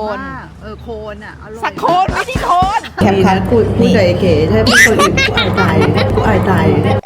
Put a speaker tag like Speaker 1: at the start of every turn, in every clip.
Speaker 1: น
Speaker 2: โคนอ่ะอร่อย
Speaker 1: สักโคนไม่ใช่โคน
Speaker 2: แคปคัทพูดกับเก๋ใช่พูดคนอื่นกูอายตายกูอายตาย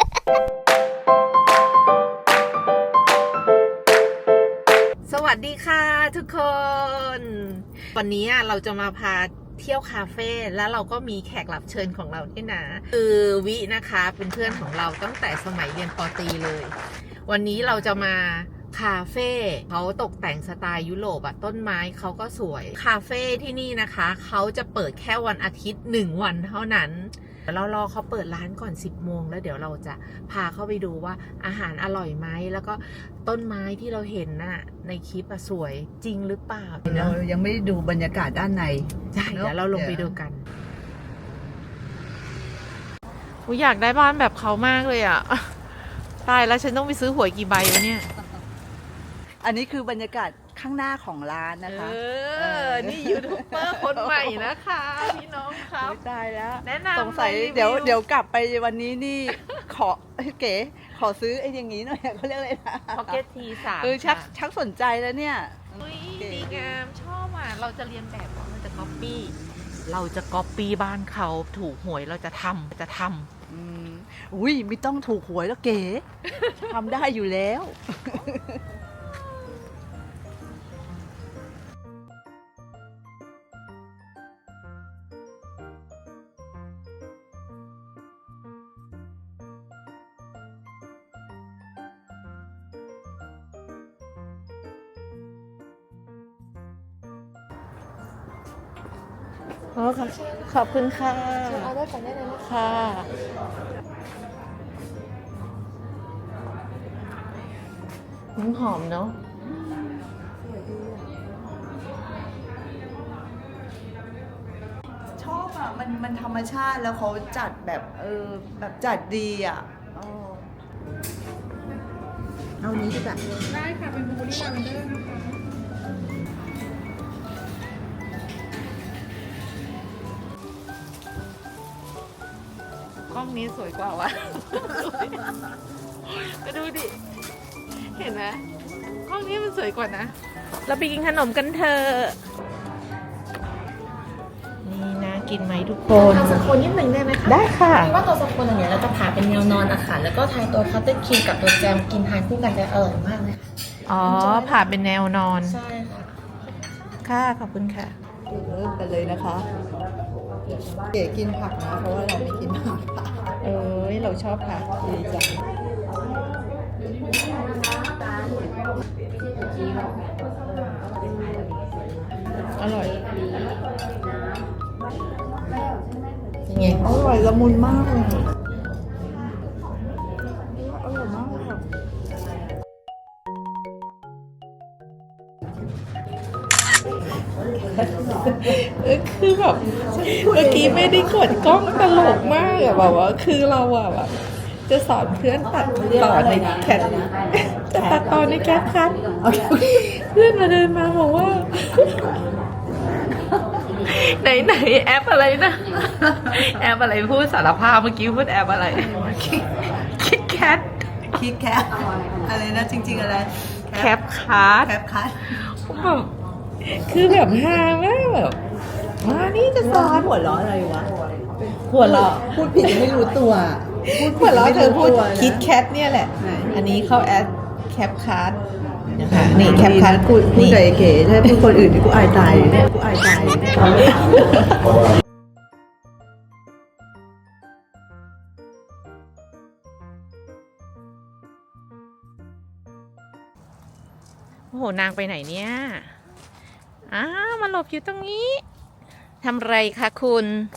Speaker 1: สวัสดีค่ะทุกคน วันนี้เราจะมาพาเที่ยวคาเฟ่แล้วเราก็มีแขกรับเชิญของเราด้วยนะคือวินะคะเป็นเพื่อนของเราตั้งแต่สมัยเรียนป.ตรีเลย วันนี้เราจะมาคาเฟ่เขาตกแต่งสไตล์ยุโรปอะต้นไม้เขาก็สวยคาเฟ่ที่นี่นะคะเขาจะเปิดแค่วันอาทิตย์1 วันเท่านั้นเรารอเขาเปิดร้านก่อน10 โมงแล้วเดี๋ยวเราจะพาเข้าไปดูว่าอาหารอร่อยไหมแล้วก็ต้นไม้ที่เราเห็นน่ะในคลิปสวยจริงหรือเปล่า
Speaker 2: เรายังไม่ได้ดูบรรยากาศด้านใน
Speaker 1: ใช่เดี๋ยวเราลงไปดูกันอยากได้บ้านแบบเขามากเลยอ่ะตายแล้วฉันต้องไปซื้อหวยกี่ใบวะเนี่ย
Speaker 2: อันนี้คือบรรยากาศข้างหน้าของร้านนะคะ
Speaker 1: นี่ยูทูบเบอร์คนใหม่นะคะพี่น้องครับ
Speaker 2: ตายแล้ว
Speaker 1: แนะนำ
Speaker 2: สงสัย
Speaker 1: รีวิว
Speaker 2: เดี๋ยวกลับไปวันนี้นี่ขอเก๋ขอซื้อไอ้อย่างนี้หน่อยเขาเรียกอะไรนะ
Speaker 1: พ็อกเก็ตที3
Speaker 2: ชักสนใจแล้วเนี่ย
Speaker 1: อุ้ยดีงามชอบอ่ะเราจะเรียนแบบเราจะก๊อปปี้บ้านเขาถูกหวยเราจะทำ
Speaker 2: อุ้ยไม่ต้องถูกหวยแล้วเก๋ ทำได้อยู่แล้ว
Speaker 1: อ๋อค่ะขอบคุณค่ะ
Speaker 3: เอาได้ก่อนได้เลยนะคะ
Speaker 1: ค่ะหอมเนาะ
Speaker 2: ชอบอ่ะมันธรรมชาติแล้วเขาจัดแบบแบบจัดดีอ่ะเอานี้ดีกว่า
Speaker 3: ได้ค่ะ เป็นบลูเบอร์รี่ลาเวนเดอร์นะคะ
Speaker 1: กล้องนี้สวยกว่าวะ ก็ดูดิ เห็นไหมกล้องนี้มันสวยกว่านะ เราไปกินขนมกันเถอะนี่นะกินไหมทุกคน
Speaker 3: ทานสโคนนิดหนึ่งได้ไหมคะ
Speaker 1: ได้ค่ะ
Speaker 3: คือว่าตัวสโคนอันเนี้ยเราจะผ่าเป็นแนวนอนอะค่ะ แล้วก็ทายตัวคัตเตอร์ครีมกับตัวแจมกินทานคู่กันจะอร่อยมากเลยค่ะ
Speaker 1: อ๋อ ผ่าเป็นแนวนอน
Speaker 3: ใช่ค่ะ
Speaker 1: ค่ะ ขอบคุณค่ะ
Speaker 2: เริ่มกันเลยนะคะ เก๋กินผักนะเพราะว่าเราไม่กินผัก
Speaker 1: เอ้ย เราชอบผัก
Speaker 2: ดีจัง
Speaker 1: อร่อย
Speaker 3: ยังไง
Speaker 2: อร่อยละมุนมากเลยอร่อยมากเลยค่ะ
Speaker 1: คือแบบเมื่อกี้ไม่ได้กดกล้องตลกมากอะแบบว่าคือเราอะแบบจะสอนเพื่อนตัดต่อในแคทจะตัดต่อในแคทคัทเพื่อนมาเดินมาบอกว่า ไหนแอปอะไรนะ แอปอะไรพูดสารภาพเมื่อกี้พูดแอปอะไรคิดแคท
Speaker 2: คิดแคปอะไรนะจริง ๆ อะไร
Speaker 1: แคปคัท
Speaker 2: แคปคัท
Speaker 1: แบบคือแบบฮามากแบบมานี่จะสอน
Speaker 2: หัวเราะอะไรวะ
Speaker 1: หัวเราะ
Speaker 2: พูดผิดไม่รู้ตัว
Speaker 1: หัวเราะเธอพูด
Speaker 2: ไม่รู้ตัวนะ
Speaker 1: คิดแคทเนี่ยแหละ
Speaker 2: ไหน
Speaker 1: อันนี้เข้าแอดแคปคัทนะคะนี่แคปคัท
Speaker 2: พูดกับเก๋ใช่พูดคนอื่นกูอายตายกูอายตาย
Speaker 1: โอ้โหนางไปไหนเนี่ยมาหลบอยู่ตรงนี้ทำไรคะคุณ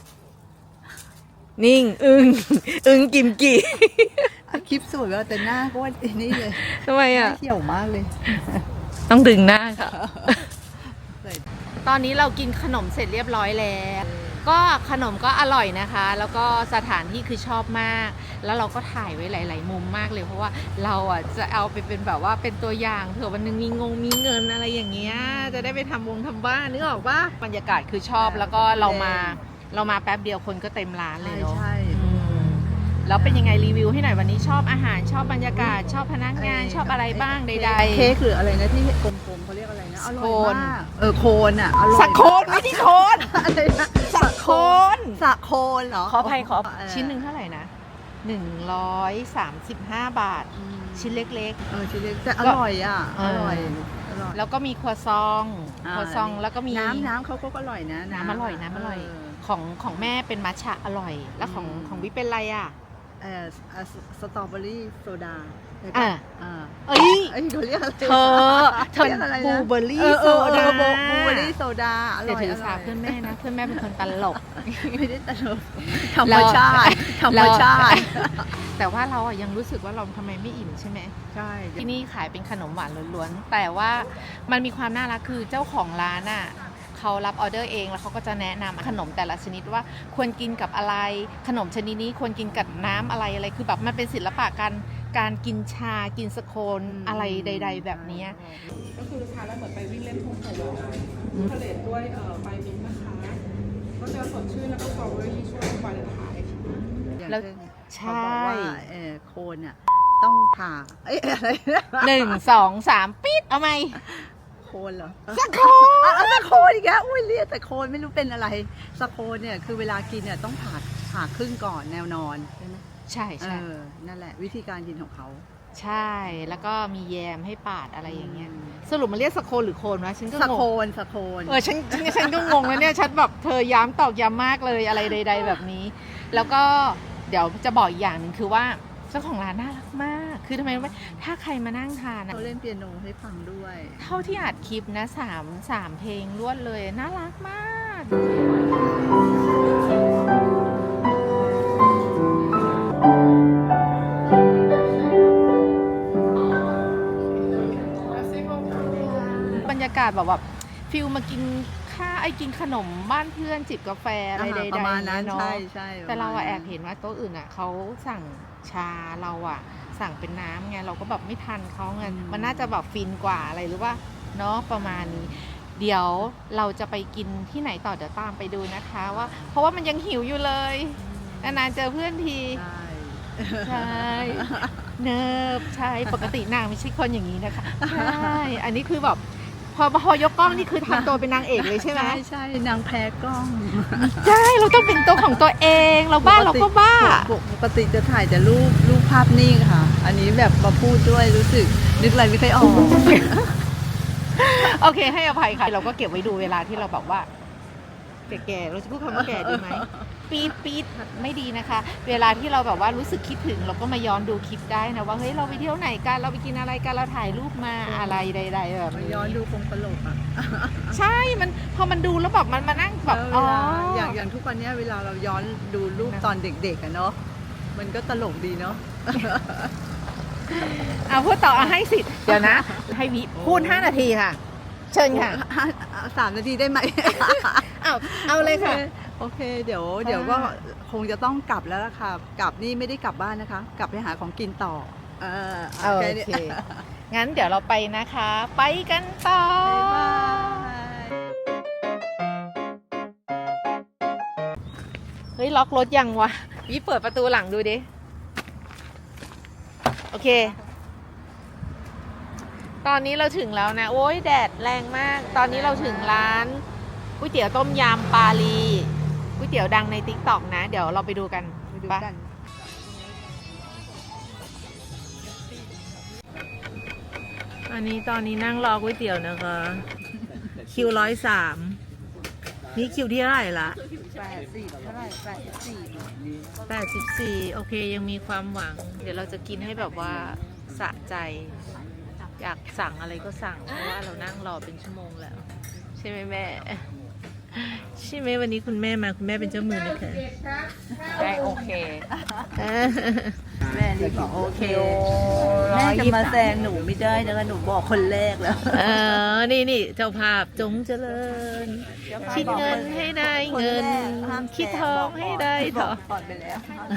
Speaker 1: นิ่งอึงกิมกี่
Speaker 2: คลิปสวยว่าแต่หน้าก็ว่านี่เลย
Speaker 1: ทำไมอ่ะ
Speaker 2: เขียวมากเลย
Speaker 1: ต้องดึงหน้าค่ะ ตอนนี้เรากินขนมเสร็จเรียบร้อยแล้ว ก็ขนมก็อร่อยนะคะ แล้วก็สถานที่คือชอบมาก แล้วเราก็ถ่ายไว้หลาย ๆ มุมมากเลย เพราะว่าเราอ่ะจะเอาไปเป็นแบบว่าเป็นตัวอย่างเผื่อวันหนึงมีเงินอะไรอย่างเงี้ย จะได้ไปทำบ้านนึกออกปะบรรยากาศคือชอบ แล้วก็เรามาแป๊บเดียวคนก็เต็มร้านเลยเนาะ
Speaker 2: ใช่
Speaker 1: แล้วเป็นยังไงรีวิวให้หน่อยวันนี้ชอบอาหารชอบบรรยากาศชอบพนักงานชอบอะไรบ้างใดๆ
Speaker 2: เค้กหรืออะไรนะที่กลมๆเขาเรียกรียกอะไรนะอ
Speaker 1: ส
Speaker 2: ร่
Speaker 1: โค
Speaker 2: อย
Speaker 1: น
Speaker 2: มากโคนอ่ะอร่อย
Speaker 1: สักโคนไม่ใช่โคน
Speaker 2: อะไรนะ
Speaker 1: สักโคน
Speaker 2: สักโคนเหรอ
Speaker 1: ขออภัยขอ
Speaker 2: เ
Speaker 1: ชิ้นหนึ่งเท่าไหร่นะ135 บาท
Speaker 2: อืม
Speaker 1: ชิ้นเล็ก
Speaker 2: ชิ้นเล็กแต่อร่อยอ่ะ
Speaker 1: เอ
Speaker 2: อ
Speaker 1: อ
Speaker 2: ร่อยอร่อย
Speaker 1: ๆ แล้วก็มีครัวซองครัวซองแล้วก็มี
Speaker 2: น้ำเขาก็อร่อยนะ
Speaker 1: น้ำอร่อยน้ำอร่อยของแม่เป็นมัทฉะอร่อย แล้วของวิเป็นอะไรอ่ะ
Speaker 2: เออสตรอเบอรี่โซดา
Speaker 1: อ่ะ
Speaker 2: อ่า
Speaker 1: เอ้ย
Speaker 2: เขาเรียกอะไร
Speaker 1: เธอ
Speaker 2: เรียกอะไรนะ
Speaker 1: บลูเบอร์รี่โซดา
Speaker 2: บลูเบอร์รี่โซดาอ
Speaker 1: เดี๋
Speaker 2: ร่
Speaker 1: ยว
Speaker 2: อย
Speaker 1: ถือ
Speaker 2: อ
Speaker 1: สา
Speaker 2: ร่อย
Speaker 1: เพื่อนแม่นะ เพื่อนแม่เป็นคนตลก
Speaker 2: ไม่ได้ตลกธรรมชาติธรรมชาติ
Speaker 1: แต่ว่าเราอะยังรู้สึกว่าเราทำไมไม่อิ่มใช่ไหม
Speaker 2: ใช่
Speaker 1: ที่นี่ขายเป็นขนมหวานล้วนๆ แต่ว่ามันมีความน่ารักคือเจ้าของร้านอ่ะเขารับออเดอร์เองแล้วเขาก็จะแนะนำขนมแต่ละชนิดว่าควรกินกับอะไร ขนมชนิดนี้ควรกินกับน้ำอะไรคือแบบมันเป็นศิลปะการกินชากินสโคนอะไรใด ๆ แบบเนี้ย
Speaker 4: ก็คือทานแล้วเหมือนไปวิ่งเล่นทุ่งไผ่ทะเลด้วยใบมิ้นท์นะคะ ก็จะสดชื่นแล้วก็สตรอเบอรี่ช่วงวาเลนไทน์
Speaker 1: แล้ว
Speaker 2: ใช่
Speaker 1: ใช่
Speaker 2: เขาบอกว่าโคนอ่ะต้องผ่าอะไรนะ
Speaker 1: 1 2 3ปิดเอาไหม
Speaker 2: โคนเหรอ
Speaker 1: สโคน
Speaker 2: สะโคนอีกแล้วอุ้ยเรียกแต่โคนไม่รู้เป็นอะไรสะโคนเนี่ยคือเวลากินเนี่ยต้องผ่าครึ่งก่อนแนวนอนใช่ไหม
Speaker 1: ใช่ใช่
Speaker 2: นั่นแหละวิธีการกินของเขา
Speaker 1: ใช่แล้วก็มีแยมให้ปาดอะไรอย่างเงี้ยสรุปมันเรียกสโคนหรือโคนวะฉันก็
Speaker 2: สะ
Speaker 1: ง
Speaker 2: โค
Speaker 1: ง
Speaker 2: นสะโคน
Speaker 1: ฉันก็งงแล้วเนี่ยฉันแบบเธอย้ำตอกย้ำมากเลยอะไรใด ๆ แบบนี้ แล้วก็เดี๋ยวจะบอกอีกอย่างหนึ่งคือว่าเจ้าของร้านน่ารักมาก คือทำไมรู้ไหมถ้าใครมานั่งทานนะ
Speaker 2: เขาเล่นเปียโนให้ฟังด้วย
Speaker 1: เท่าที่อัดคลิปนะสามเพลงรวดเลยน่ารักมาก บรรยากาศแบบฟิลมากินกินขนมบ้านเพื่อนจิบกาแฟอะไรใดๆ
Speaker 2: ประมาณนั้น
Speaker 1: เนาะ
Speaker 2: ใช่
Speaker 1: แต่เรา
Speaker 2: ปะม
Speaker 1: อะ
Speaker 2: ณ
Speaker 1: แอ
Speaker 2: นั้น
Speaker 1: บเห็นว่าโต๊ะอื่นอะเขาสั่งชาเราอะสั่งเป็นน้ำไงเราก็แบบไม่ทันเขาไงมันน่าจะแบบฟินกว่าอะไรหรือว่าเนาะประมาณนี้ เดี๋ยวเราจะไปกินที่ไหนต่อเดี๋ยวตามไปดูนะคะว่าเพราะว่ามันยังหิวอยู่เลยนานๆเจอเพื่อนที
Speaker 2: ใช่
Speaker 1: ใช่ เนิบใช่ปกตินางไม่ใช่คนอย่างนี้นะคะใช่อันนี้คือแบบพอยกกล้องนี่คือทำตัวเป็นนางเอกเลยใช่ไหม
Speaker 2: ใช่นางแพ้กล้อง
Speaker 1: ใช่เราต้องเป็นตัวของตัวเองเราบ้าเราก็บ้า
Speaker 2: ปกติจะถ่ายแต่รูปภาพนิ่งค่ะ อันนี้แบบมาพูดด้วยรู้สึกนึกอะไรไม่ค่อยออก
Speaker 1: โอเคให้อภัยค่ะ เราก็เก็บไว้ดูเวลาที่เราแบบว่า แก่ๆเราจะพูดคำว่าแก่ดีไหมปี๊ดไม่ดีนะคะ เวลาที่เราแบบว่ารู้สึกคิดถึงเราก็มาย้อนดูคลิปได้นะว่าเฮ้ยเราไปเที่ยวไหนกันเราไปกินอะไรกันเราถ่ายรูปมาอะไรใดๆแบบ
Speaker 2: มา
Speaker 1: นี้
Speaker 2: ย้อนดูคงตลกอ่ะ
Speaker 1: ใช่มันพอมันดูแล้วแบบมันมานั่งแบบ
Speaker 2: เวลาอย่างทุกวันเนี้ยเวลาเราย้อนดูรูปตอนเด็กๆอะเนาะมันก็ตลกดีเนาะ
Speaker 1: เอาพูดต่อให้สิเดี๋ยวนะ ให้วิพูด5 นาทีค่ะ เชิญค่ะ
Speaker 2: 3 นาทีได้ไหม
Speaker 1: เอาเลยค่ะ
Speaker 2: โอเคเดี๋ยวก็คงจะต้องกลับแล้วล่ะค่ะกลับนี่ไม่ได้กลับบ้านนะคะ กลับไปหาของกินต่อ
Speaker 1: โอ
Speaker 2: แนี้
Speaker 1: เค งั้นเดี๋ยวเราไปนะคะ ไปกันต่อ
Speaker 2: บ๊ายบาย
Speaker 1: เฮ้ย ล็อกรถยังวะวิเปิดประตูหลังดูดิ โอเค ตอนนี้เราถึงแล้วนะ โอ้ยแดดแรงมาก ตอนนี้เราถึงร้านก๋วยเตี๋ยวต้มยำปาลีก๋วยเตี๋ยวดังใน TikTok นะ เดี๋ยวเราไปดูกัน
Speaker 2: ไปดู
Speaker 1: ปะ
Speaker 2: กัน
Speaker 1: ตอนนี้นั่งรอก๋วยเตี๋ยวนะคะ คิว103 นี่คิวที่เท่าไหร่ละ
Speaker 2: 80เท่าไหร่84
Speaker 1: 84 โอเคยังมีความหวัง เดี๋ยวเราจะกินให้แบบว่าสะใจ อยากสั่งอะไรก็สั่ง เพราะว่าเรานั่งรอเป็นชั่วโมงแล้ว ใช่ไหมแม่ ใช่ไหมวันนี้คุณแม่มาคุณแม่เป็นเจ้ามือนะคะ
Speaker 3: ได้โอเค
Speaker 2: แม่รีบบอกโอเคแม่จะมาแซงหนูไม่ได้นะคะหนูบอกคนแรกแล้ว
Speaker 1: นี่เจ้าภาพจงเจริญ คิดเงินให้ได้เงิน คิดทองให้ได้ทอง
Speaker 2: ก่อนไปแล้ว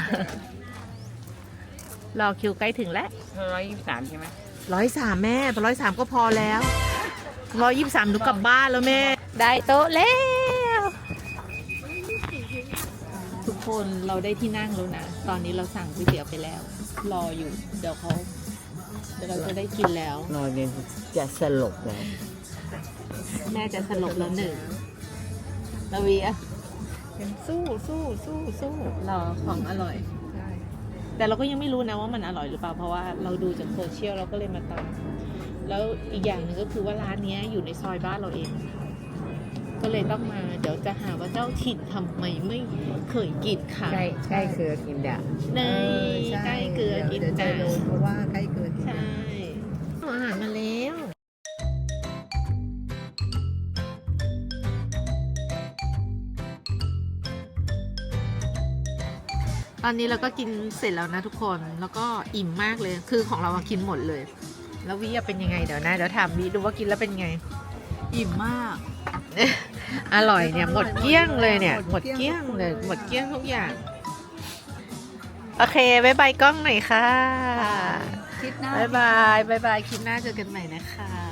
Speaker 1: รอคิวใกล้ถึงแล้ว
Speaker 3: 123 ใช่ไหม
Speaker 1: 103แม่103ก็พอแล้ว123หนูกลับบ้านแล้วแม่ ได้โต๊ะแล้ว ทุกคนเราได้ที่นั่งแล้วนะ ตอนนี้เราสั่งก๋วยเตี๋ยวไปแล้ว รออยู่ เดี๋ยวเราจะได้กินแล้ว
Speaker 5: นอนเนี่ยจะสลบแล้ว
Speaker 1: แม่จะสลบแล้วหนึ่งแล้ววีอะยังสู้รอของอร่อย แต่เราก็ยังไม่รู้นะว่ามันอร่อยหรือเปล่าเพราะว่าเราดูจากโซเชียลเราก็เลยมาตามแล้วอีกอย่างหนึ่งก็คือว่าร้านเนี้ยอยู่ในซอยบ้านเราเอง ก็เลยต้องมาเดี๋ยวจะหาว่าเจ้าถิ่นทำไมไม่เคยกินค่ะ
Speaker 2: ใกล้เกลือกินเดี๋ยว
Speaker 1: ในใกล้เกลือกิน
Speaker 2: เดี๋ยวจะ
Speaker 1: จ้ะ
Speaker 2: รู้เพราะว่าใกล้เกลือกิน
Speaker 1: ใช่อาหารมาแล้วตอนนี้เราก็กินเสร็จแล้วนะทุกคนแล้วก็อิ่มมากเลยคือของเราอะกินหมดเลย แล้ววิอะเป็นยังไงเดี๋ยวนะเดี๋ยวถามวิดูว่ากินแล้วเป็นไง
Speaker 2: อิ่มมาก
Speaker 1: อร่อยเนี่ยหมดเกลี้ยงเลยเนี่ยหมดเกลี้ยงเลยหมดเกลี้ยงทุกอย่างโอเคบายบายกล้องหน่อยค่ะ
Speaker 2: คิดหน้า
Speaker 1: บายบายคลิปหน้าเจอกันใหม่นะคะ